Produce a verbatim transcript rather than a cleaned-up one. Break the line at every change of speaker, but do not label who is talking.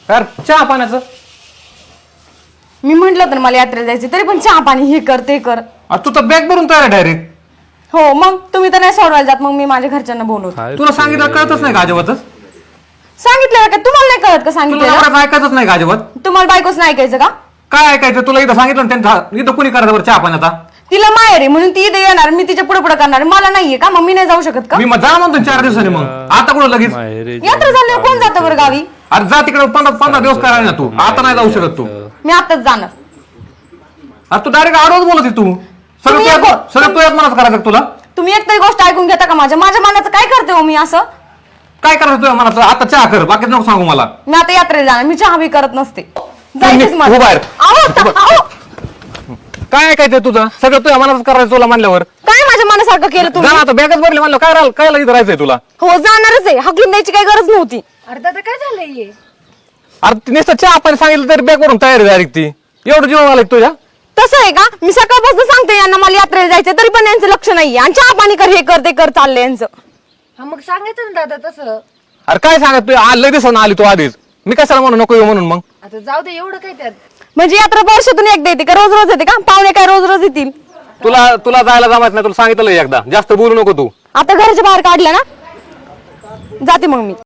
यार चहा पाण्याचं
मी म्हंटल तर मला यात्रेला जायचं तरी पण चहा पाणी हे कर ते कर.
तू तर बॅग भरून तयार डायरेक्ट.
हो मग तुम्ही तर नाही सोडवायला जात, मग मी माझ्या घरच्यांना बोलवतो.
तुला सांगितलं कळतच नाही का अजिबातच?
सांगितलं का तुम्हाला नाही कळत का?
तुला
सांगितलं
नवऱ्याचं ऐकायचंच नाही का अजिबात?
तुम्हाला बायकोच नाही ऐकायचं का?
काय ऐकायचं तुला? इथं सांगितलं ना त्यांचा, इथं कुणी करायचं बरं चहा पाण्याचा?
तिला माहेर आहे म्हणून ती इथे येणार, मी तिच्या पुढे पुढे करणार. मला नाहीये का? मग मी नाही जाऊ शकत का?
मी मग जा म्हणतो चार दिवसांनी. मग आता कुठं लगेच?
यात्रा झाल्यावर कोण जातं बरं गावी?
अरे जा तिकडे पंधरा पंधरा दिवस करायला ना तू. आता नाही जाऊ शकत तू.
मी आताच जाणार.
अरे तू डायरेक्ट आडवच बोलत आहे तू. सगळं
तुम्ही
तुझ्या
एक-
सगळं तुझ्याच मनात करायचं का तुला?
तुम्ही एक तरी गोष्ट ऐकून घेता का माझ्या? माझ्या मनाचं काय करते हो मी असं?
काय करायचं तुझ्या मनात? आता चहा कर, बाकी नको सांगू मला.
मी आता यात्रेला जाणार, मी चहा बी करत नसते. जायचंच
तू
मला.
बाहेर.
आहो, ता- आहो.
काय ऐकायचं तुझं? सगळं तुझ्या मनातच करायचं तुला म्हणल्यावर.
काय माझ्या मनासारखं केलं
जा
तुम्ही?
ना आता, बॅगच भरली म्हणलं काय राहिलं? काय इथं राहायचंय तुला?
हो जाणारच आहे, हकलून द्यायची काही गरज नव्हती.
अरे दादा काय झालंय?
अरे ती नुसतं चहा पाणी सांगितलं तरी बॅग भरून तयारी डायरेक्ट ती. एवढं जीवन आलं तुझ्या?
तसं आहे का? मी सकाळपासून सांगते यांना मला यात्रेला जायचं, तरी पण यांचं लक्ष नाहीये. आणि चहा पाणी कर, हे कर ते कर चाललंय यांचं.
हा मग सांगायचं ना दादा तसं.
अरे काय सांगत तू? आज लगेच ना आली तू आधीच. मी कशाला म्हणू नको येऊ म्हणून? मग
आता जाऊ दे, एवढं काय त्यात.
म्हणजे यात्रा वर्षातून एकदा येते का? रोज रोज येते का? पाहुणे काय रोज रोज येतील?
तुला तुला जायला जमायचं नाही, तुला सांगितलं एकदा. जास्त बोलू नको तू.
आता घराच्या बाहेर काढलं ना, जाते मग मी.